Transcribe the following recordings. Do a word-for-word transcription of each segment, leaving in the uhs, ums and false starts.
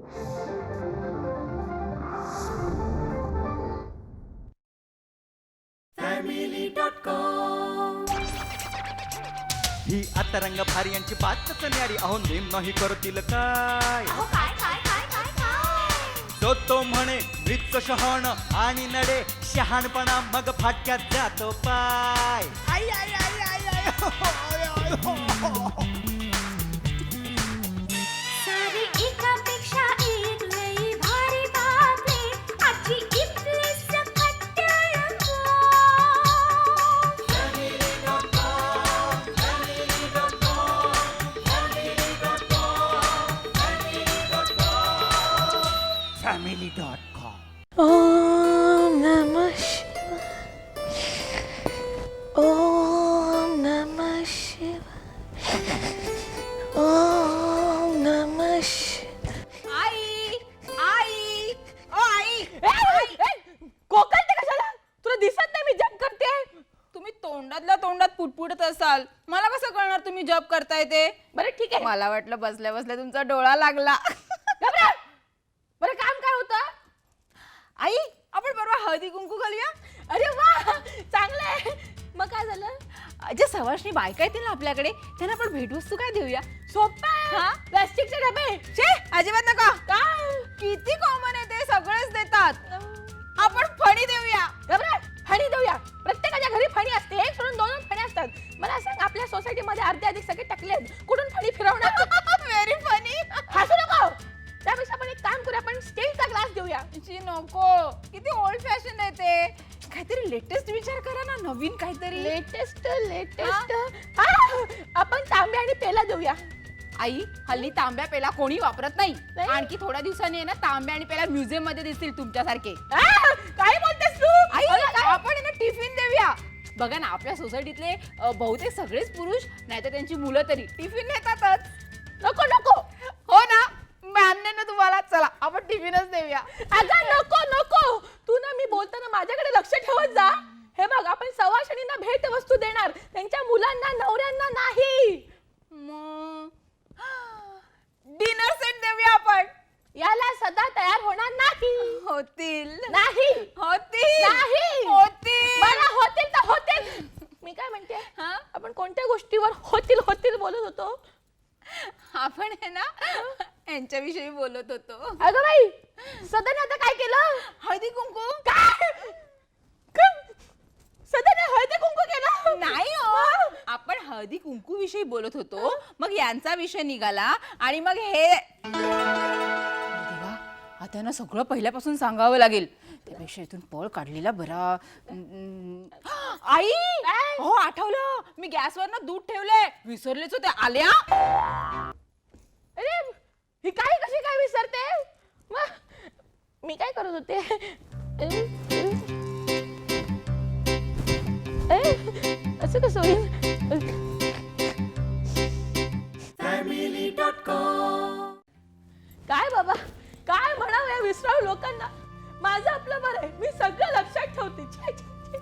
ही आता रंग भारी यांची बातच न्यारी, अहो नेम नाही करतील काय. तो तो म्हणे मृत शहाण आणि नडे शहाणपणा मग फाटक्यात जातो पाय. आई आई आई आई आई हो, हो, आय, आय, हो, हो. सारी एकापेक्षा एक लई भारी बातमी आजची इथली सकट टेलिफोन. Family dot com. ओम नमः शिवाय. ओम नमः शिवाय. ओम नमः शिवाय. आई आई ओ आई कोकणते कशाला? तुला दिसत नाही मी जप करते? तुम्ही तोंडातल्या तोंडात पुटपुटत असाल, मला कसं कळणार तुम्ही जप करताय ते? बरं ठीक आहे. मला वाटलं बसल्या बसल्या तुमचा डोळा लागला. घाबरा. बरं काम काय होतं? आई आपण परवा हळदी कुंकू घालूया. अरे वा चांगलं आहे. मग काय झालं? जे सवाशणी बायका येतील ना आपल्याकडे, त्यांना आपण भेटवस्तू काय देऊया? सोपं आहे. प्लास्टिकचे डबे. छे अजिबात नका. काय? किती कॉमन आहे ते, सगळेच देतात. आपण फणी देऊया. घाबरा. फणी देऊया. प्रत्येकाच्या घरी फणी असते. एक सोडून दोन फणी असतात. मला सांग आपल्या सोसायटीमध्ये अर्धे अधिक सगळे टकले आहेत. कुठून फणी फिरवणार? Very funny. हसू नको. त्यापेक्षा आपण एक काम करूया, आपण स्टीलचा ग्लास देऊया. जी नको, किती ओल्ड फॅशन आहे ते. काहीतरी लेटेस्ट विचार करा ना, नवीन काहीतरी. लेटेस्ट लेटेस्ट आपण तांबे आणि पेला देऊया. आई हल्ली तांब्या पेला कोणी वापरत नाही. नाही? आणखी थोड्या दिवसांनी आहे ना तांब्या आणि पेला म्युझियम मध्ये दिसतील तुमच्यासारखे. आ, काय बोलतेस तू? आई अगं, काय? आपण आहे ना टिफिन देऊया. बघा ना आपल्या सोसायटीतले अ, बहुतेक सगळेच पुरुष नाही तर त्यांची मुलं तरी टिफिन नेतातच. नको नको. हो ना, मान्य ना तुम्हाला. चला आपण टिफिनच देऊया. अगं नको नको. तू ना मी बोलताना माझ्याकडे लक्ष ठेवत जा. हे बघ आपण सवाशणींना भेट वस्तू देणार, त्यांच्या मुलांना नवऱ्यांना नाही. डिनर सेट देऊया आपण. याला सदा तयार होणार नाही. होतील नाही होतील नाही. होतील. मला होतील तर होतील. मी काय म्हणते, हा? आपण कोणत्या गोष्टीवर होतील होतील बोलत होतो? आपण आहे ना यांच्याविषयी बोलत होतो. अगं बाई सदाने आता काय केलं? हळदी कुंकू. काय सदाने हळदी कुंकू केलं? नाही हो, आपण हळदी कुंकू विषयी बोलत होतो, मग यांचा विषय निघाला आणि मग हे देवा, आता ना सगळं पहिल्यापासून सांगावं लागेल. त्यापेक्षा इथून पळ काढलेला बरा. अं, आई हो आठवलं, मी गॅसवर ना दूध ठेवलंय, विसरलेच होते. आल्या. अरे ही काय कशी काय विसरते? मग मी काय करत होते? ए, असं कसं होईल? काय बाबा काय म्हणावं या विसराळू लोकांना? माझं आपलं बरं आहे, मी सगळं लक्षात ठेवते. छे, छे, छे.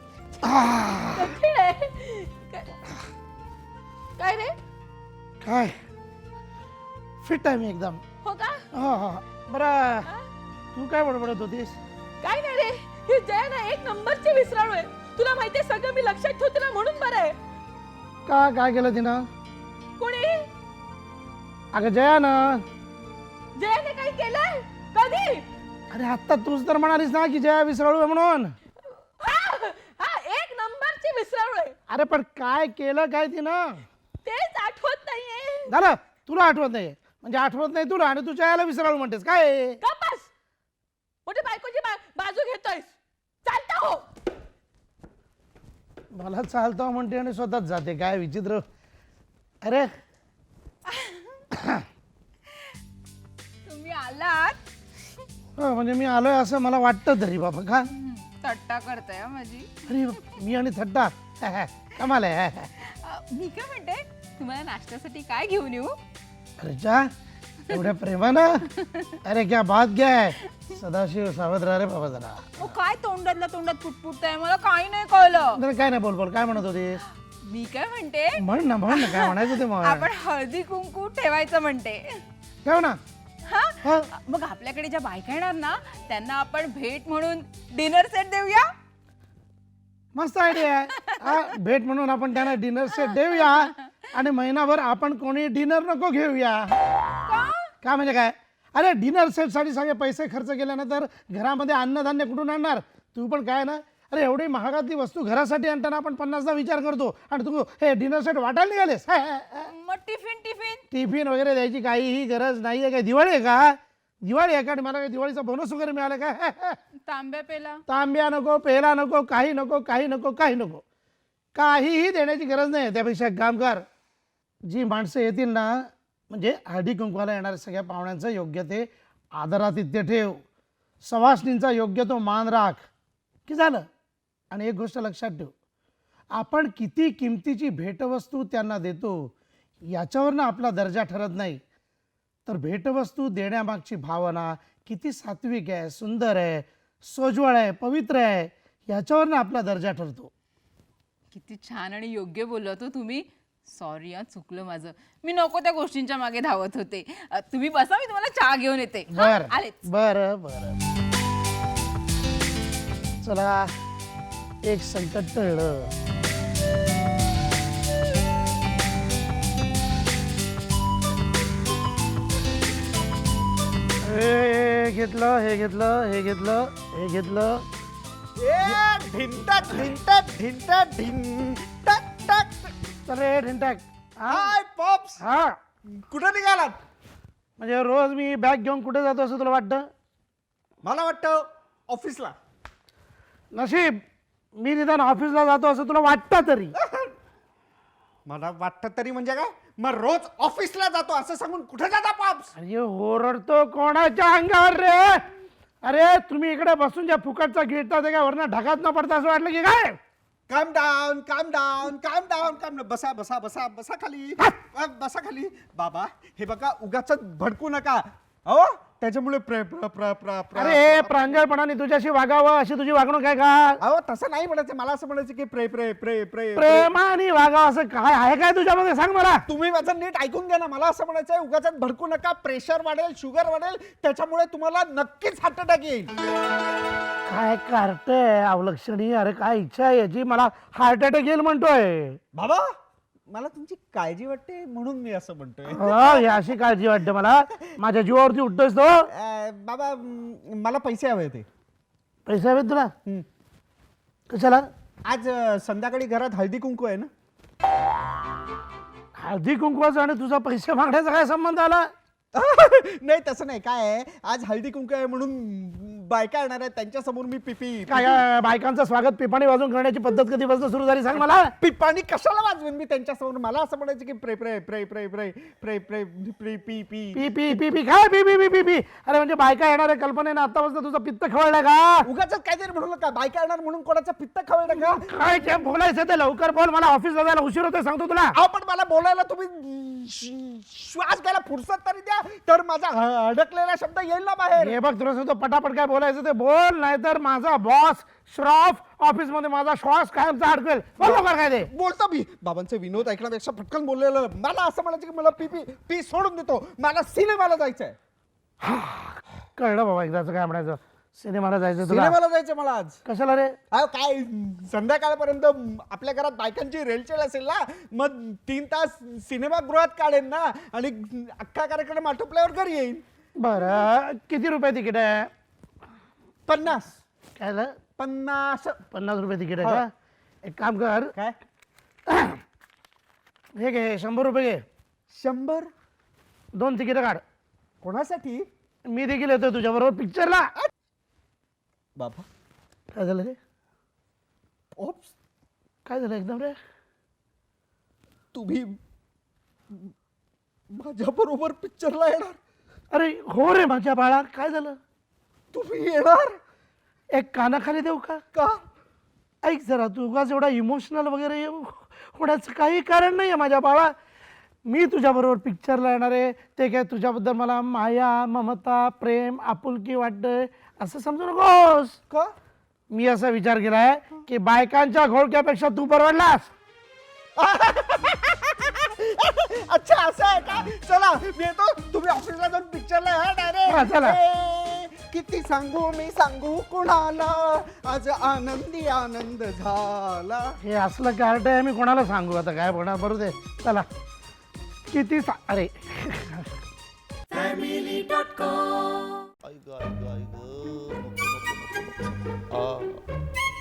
कठीण आहे. काय- काय रे? काय फिट आहे मी एकदम. हो का? हा हा बरं तू काय बडबडत होतीस? काय नाही रे, ही जया ना एक नंबरची विसराळू आहे. तुला माहितीये सगळं मी लक्षात ठेवते ना, म्हणून बरं आहे. का काय केलं तिनं? कोणी? अगं जया ना. जयाने काही केलंय? कधी? अरे आत्ता तूच तर म्हणालीस ना की जया विसराळू आहे म्हणून. हा, हा, एक नंबरची विसराळू आहे. अरे पण काय केलं काय तिनं? तेच आठवत नाहीये. झालं तुला आठवत नाही म्हणजे आठवत नाही तुला आणि तू जयाला विसराळू म्हणतेस काय? गप्पस. मोठी बायकोची बा- बाजू घेतोयस. चालता हो. मला चालतो म्हणते आणि स्वतःच जाते. काय विचित्र. अरे तुम्ही आलात. हो, म्हणजे मी आलोय असं मला वाटतं तरी बाबा. का थट्टा करताय माझी. अरे मी आणि थट्टा कमाल आहे. अ, मी काय म्हणते, तुम्हाला नाश्त्यासाठी काय घेऊन येऊ? अरे जा एवढ्या प्रेमानं. अरे क्या बात क्या है. सदाशिव सावध राहा रे बाबा जरा. अहो, काय तोंडातल्या तोंडात पुटपुटताय, मला काही नाही कळलं. जरा काय नाही बोल बोल काय म्हणत होतीस? मी काय म्हणते, म्हण ना म्हण ना काय म्हणायचं ते मग. आपण हळदी कुंकू ठेवायचं म्हणते. ठेव ना. हा हा. मग आपल्याकडे ज्या बायका येणार ना त्यांना आपण भेट म्हणून डिनर सेट देऊया. मस्त आयडिया आहे हा, भेट म्हणून आपण त्यांना डिनर सेट देऊया आणि महिनाभर आपण कोणी डिनर नको घेऊया. का म्हणजे काय? अरे डिनर सेट साठी सगळे पैसे खर्च केल्यानंतर घरामध्ये अन्नधान्य कुठून आणणार? तू पण काय ना, अरे एवढी महागातली वस्तू घरासाठी आणताना आपण पन्नासदा विचार करतो आणि तू हे डिनर सेट वाटायला निघालेस. हाय, हाय, हाय. मग टिफिन टिफिन टिफिन वगैरे द्यायची काहीही गरज नाही आहे. काय दिवाळी आहे का? दिवाळी आहे का? आणि मला काय दिवाळीचा बोनस वगैरे मिळाला का? तांब्या पेला तांब्या नको, पेला नको, काही नको, काही नको, काही नको, काहीही देण्याची गरज नाही. त्यापेक्षा एक काम कर, जी माणसं येतील ना, म्हणजे हळदी कुंकवाला येणाऱ्या सगळ्या पाहुण्यांचं योग्य ते आदरातिथ्य ठेव, सवासणींचा योग्य तो मान राख, की झालं. आणि एक गोष्ट लक्षात ठेव, आपण किती किमतीची भेटवस्तू त्यांना देतो याच्यावरनं आपला दर्जा ठरत नाही, तर भेटवस्तू देण्यामागची भावना किती सात्विक आहे, सुंदर आहे, सोज्वळ आहे, पवित्र आहे, याच्यावरनं आपला दर्जा ठरतो. किती छान आणि योग्य बोलत हो तुम्ही. सॉरी हा, चुकलं माझं. मी नको त्या गोष्टींच्या मागे धावत होते. अ, तुम्ही बसा, मी तुम्हाला चहा घेऊन येते. हा, बर आलेच. बर बर चला, एक संकट टळलं. हे घेतलं, हे घेतलं, हे घेतलं, हे घेतलं. ढिंटक ढिंटक ढिंटक ढिंटक टक. अरे ढिंटाक, हा हाय पॉप्स, हा. कुठं निघालात? म्हणजे रोज मी बॅग घेऊन कुठे जातो असं तुला वाटतं? मला वाटतं ऑफिसला. नशीब मी निदान ऑफिसला जातो असं तुला वाटतं तरी. मला वाटतं तरी म्हणजे काय? मग रोज ऑफिसला जातो असं सांगून कुठे जाता पॉप्स? अरे ओरडतो कोणाच्या अंगावर रे? अरे तुम्ही इकडे बसून ज्या फुकटचा गिळता ते काय वरनं ढगात न पडता असं वाटलं की काय? काम डाऊन, काम डाऊन, काम डाऊन, काम डाऊन. बसा बसा बसा बसा खाली, अ, बसा खाली. बाबा हे बघा, उगाच भडकू नका हो, त्याच्यामुळे प्रे प्र प्र प्र प्र- अरे प्रांजळपणाने तुझ्याशी वागावं अशी तुझी वागणूक आहे का? अहो तसं नाही म्हणायचं, मला असं म्हणायचं की प्रे प्रे प्रे प्रे प्रे- प्रेमाने वागावं असं काय आहे काय तुझ्यामध्ये? सांग मला. तुम्ही माझं नीट ऐकून घ्या ना. मला असं म्हणायचं आहे, उगाच भडकू नका. प्रेशर वाढेल, शुगर वाढेल, त्याच्यामुळे तुम्हाला नक्कीच हार्ट अटॅक येईल. काय कार्टय अवलक्षणी? अरे काय इच्छा आहे याची? मला हार्ट अटॅक येईल म्हणतोय. बाबा मला तुमची काळजी वाटते म्हणून मी असं म्हणतोय. हो, ही अशी काळजी वाटते मला. माझ्या जीवावरती उठतोयस तो. अ, बाबा म, मला पैसे हवे होते. पैसे हवेत तुला? हं. कशाला? आज अ, संध्याकाळी घरात हळदी कुंकू आहे ना. हळदी कुंकवाचा आणि तुझा पैसे मागण्याचा काय संबंध आला? नाही तसं नाही. काय आहे, आज हळदी कुंकू आहे म्हणून बायका येणार आहेत, त्यांच्या समोर मी पिपी काय काय बायकांचं स्वागत पिपाणी वाजून करण्याची पद्धत कधीपासून सुरू झाली सांग मला? पिपाणी कशाला वाजवेन मी त्यांच्या समोर? मला असं म्हणायचं की प्रे प्रे प्रे प्रे प्रे प्रे प्रे प्रे पी पी पी पी पी पी काय पी पी पी पी पी? अरे म्हणजे बायका येणार आहे कल्पनेनं आतापासून तुझं पित्त खवळलं का? उगाच काहीतरी म्हणू नका. बायका येणार म्हणून कोणाचं पित्त खवळलं का? काय जे बोलायचं ते लवकर बोल. मला ऑफिसला जायला उशीर होतोय सांगतो तुला. अहो पण मला बोलायला तुम्ही श- श्वास घ्यायला फुरसत तरी द्या, तर माझा ह- अडकलेला शब्द येईल ना बाहेर. हे बघ तुला सांगतो, पटापट काय बोलायचं ते बोल, नाहीतर माझा बॉस श्रॉफ ऑफिस मध्ये माझा श्वास कायमचा अडकेल. बोल लवकर काय ते. बोलतो मी. बाबांचे विनोद ऐकण्यापेक्षा पटकन बोललेलं. मला असं म्हणायचं की मला पी पी पी सोडून देतो, मला सिनेमाला जायचंय. कळलं बाबा एकदाच काय म्हणायचं. सिनेमाला जायचं तुला? सिनेमाला जायचंय मला आज. कशाला रे? अहो काय, संध्याकाळपर्यंत आपल्या घरात बायकांची रेलचेल असेल ना, मग तीन तास सिनेमागृहात काढेन ना आणि अख्खा कार्यक्रम आटोपल्यावर घरी येईन. बरं किती रुपये तिकीट आहे? पन्नास. काय झालं? पन्नास. पन्नास रुपये तिकीट आहे का? एक काम कर, काय? हे घे शंभर रुपये घे. शंभर? दोन तिकीट काढ. कोणासाठी? मी देखील येतोय तुझ्या बरोबर पिक्चरला. बाबा काय झालं रे? ओप्स, काय झालं एकदम रे? तुम्ही माझ्या बरोबर पिक्चरला येणार? अरे हो रे माझ्या बाळा, काय झालं? तुम्ही येणार? एक कानाखाली देऊ का? का? ऐक जरा, तू उगाच एवढा इमोशनल वगैरे होण्याचं काही कारण नाही आहे माझ्या बाळा. मी तुझ्याबरोबर पिक्चरला येणार आहे, ते काय तुझ्याबद्दल मला माया, ममता, प्रेम, आपुलकी वाटतंय असं समजू नकोस. का? मी असा विचार केलाय की बायकांच्या घोळक्यापेक्षा तू परवडलास. अच्छा असं आहे का? चला मी येतो, तुम्ही ऑफिसला जाऊन पिक्चरला हा हा, डायरेक्ट. चला. किती सांगू मी सांगू कुणाला, आज आनंदी आनंद झाला. हे असलं कार्ट आहे मी कोणाला सांगू आता काय होणार. बरोबर दे चला. किती सा अरे आई ग आई ग आई ग नको नको नको नको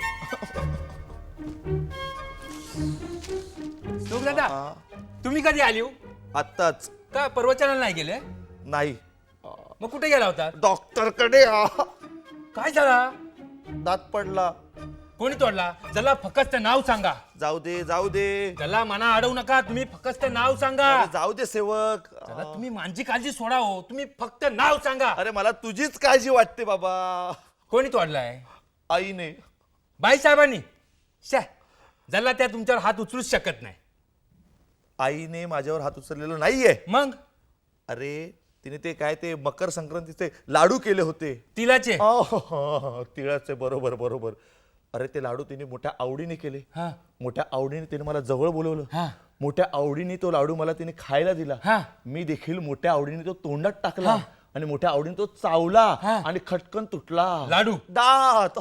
लोक दादा तुम्ही कधी आली हो? आत्ताच का प्रवचनाला नाही गेले? नाही मग कुठे गेला होता? डॉक्टर कडे काय झाला? दात पडला. कोणी तोडला? जला फक्त नाव सांगा. जाऊ दे जाऊ दे जला मना अडवू नका, तुम्ही फक्त नाव सांगा. अरे जाऊ दे सेवक. जला तुम्ही माझी काळजी सोडा हो, तुम्ही फक्त नाव सांगा. अरे मला तुझीच काळजी वाटते बाबा. कोणी तोडलाय? आईने. बाई साहेबांनी? शा जला त्या तुमच्यावर हात उचलूच शकत नाही. आईने माझ्यावर हात उचललेला नाहीये. मग अरे तिने ते काय ते मकर संक्रांतीचे लाडू केले होते. तिलाचे? आह, तिळाचे. बरोबर बरोबर. अरे ते लाडू तिने मोठ्या आवडीने केले. हा मोठ्या आवडीने तिने मला जवळ बोलवलं. हा मोठ्या आवडीने तो लाडू मला तिने खायला दिला. हा. मी देखील मोठ्या आवडीने तो तोंडात टाकला हा. आणि मोठ्या आवडीने तो चावला हा. आणि खटकन तुटला लाडू? दात.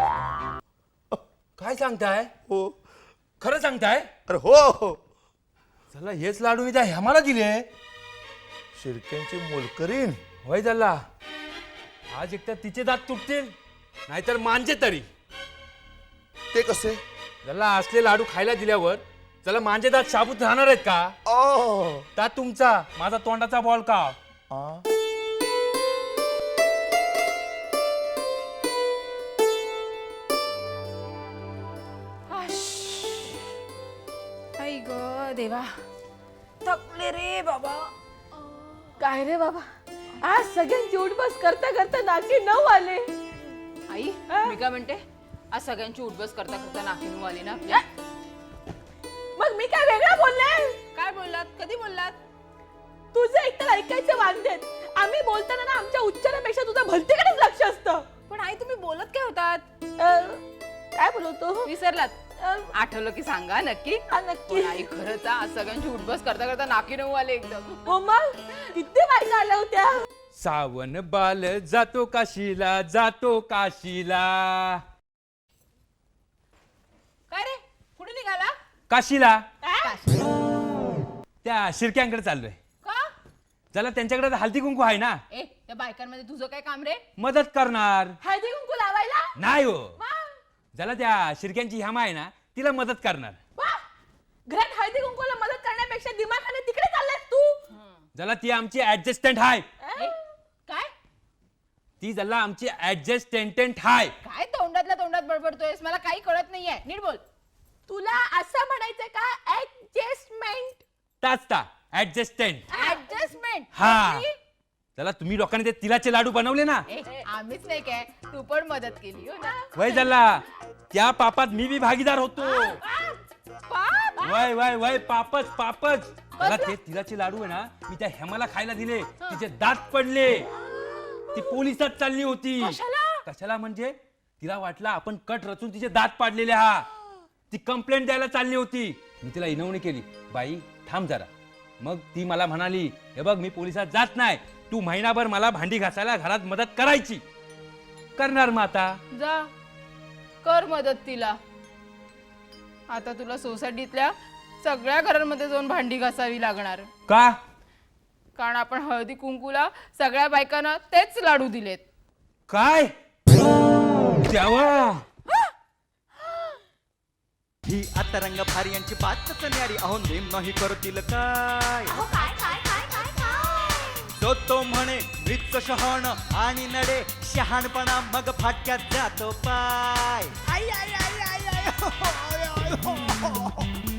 काय सांगताय? हो. खरं सांगताय? अरे हो हो. चला हेच लाडू मी त्या हेमाला दिले. शिरक्यांची मोलकरीण. होय झाला. आज एकतर तिचे दात तुटतील नाहीतर मांजे तरी. ते कसे? त्याला असले लाडू खायला दिल्यावर त्याला मांजे दात शाबूत राहणार आहेत का? आ. दात तुमचा, माझा तोंडाचा बॉल का? आ. आई ग देवा थकले रे बाबा. काय रे बाबा, आज सगळ्यांची उठबस करता करता नाकी नऊ आले. आई हा? मी काय म्हणते, आज सगळ्यांची उठबस करता करता नाकीनू आली ना आपल्या. मग मी काय वेगळं बोलले? काय बोललात? कधी बोललात? तुझं एकतर ऐकायचं वांदेत. आम्ही बोलताना ना आमच्या उच्चारापेक्षा तुझं भलतीकडेच लक्ष असतं. पण आई तुम्ही बोलत काय होतात? अं, काय बोलवतो? विसरलात? अं, आठवलं की सांगा नक्की. हा, नक्की. पण आई खरंच आज सगळ्यांची उठबस करता करता नाकीनऊ आले एकदम. हो मग किती बायका आल्या होत्या. सावन बाल जातो काशीला, जातो काशीला. काय रे कुठे निघाला? काशीला काशी? त्या शिरक्यांकडे चाललोय. का? चला त्यांच्याकडे तर हल्दी कुंकू आहे ना, ए त्या बायकांमध्ये तुझं काय काम रे? मदत करणार. हळदी कुंकू लावायला? नाही हो, वा, ज्याला त्या शिरक्यांची हेमा आहे ना तिला मदत करणार. वा. घरात हळदी कुंकूला मदत करण्यापेक्षा दिमाखाने तिकडे चाललास तू. ज्याला ती आमची ऍडजस्टंट आहे. ए, काय ती ज्याला आमची ऍडजस्टंट आहे. काय तोंडातल्या तोंडात बडबडतोयस? मला काही कळत नाहीये, नीट बोल. तुला असं म्हणायचं का ऍडजस्टमेंट? ताचता ऍडजस्टंट. ऍडजस्टमेंट? हा. त्याला तुम्ही लोकांनी ते तिलाचे लाडू बनवले ना, आम्हीच नाही काय, तू पण मदत केली हो ना. वय झाला त्या पापात मी बी भागीदार होतो. पाप? वय वय वय पापच पापच. त्याला ते तिलाचे लाडू आहे ना मी त्या हेमाला खायला दिले, तिचे दात पडले. ती पोलिसात चालली होती. कशाला म्हणजे तिला वाटलं आपण कट रचून तिचे दात पाडलेले. हा ती कंप्लेंट द्यायला चालली होती. मी तिला इनवणी केली, बाई थांब जरा. मग ती मला म्हणाली, हे बघ मी पोलिसात जात नाही, तू महिनाभर मला भांडी घासायला घरात मदत करायची. करणार मग आता. जा कर मदत तिला. आता तुला सोसायटीतल्या सगळ्या घरांमध्ये जाऊन भांडी घासावी लागणार, का? कारण आपण हळदी कुंकूला सगळ्या बायकांना तेच लाडू दिलेत. काय देवा. ही आता रंग भारी यांची बातच न्यारी, अहो नेम नाही करतील काय. तो तो म्हणे मृत शहाण आणि नडे शहाणपणा मग फाटक्यात जातो पाय. आई, आई, आई, आई, आई, हो, हो, हो, हो, हो.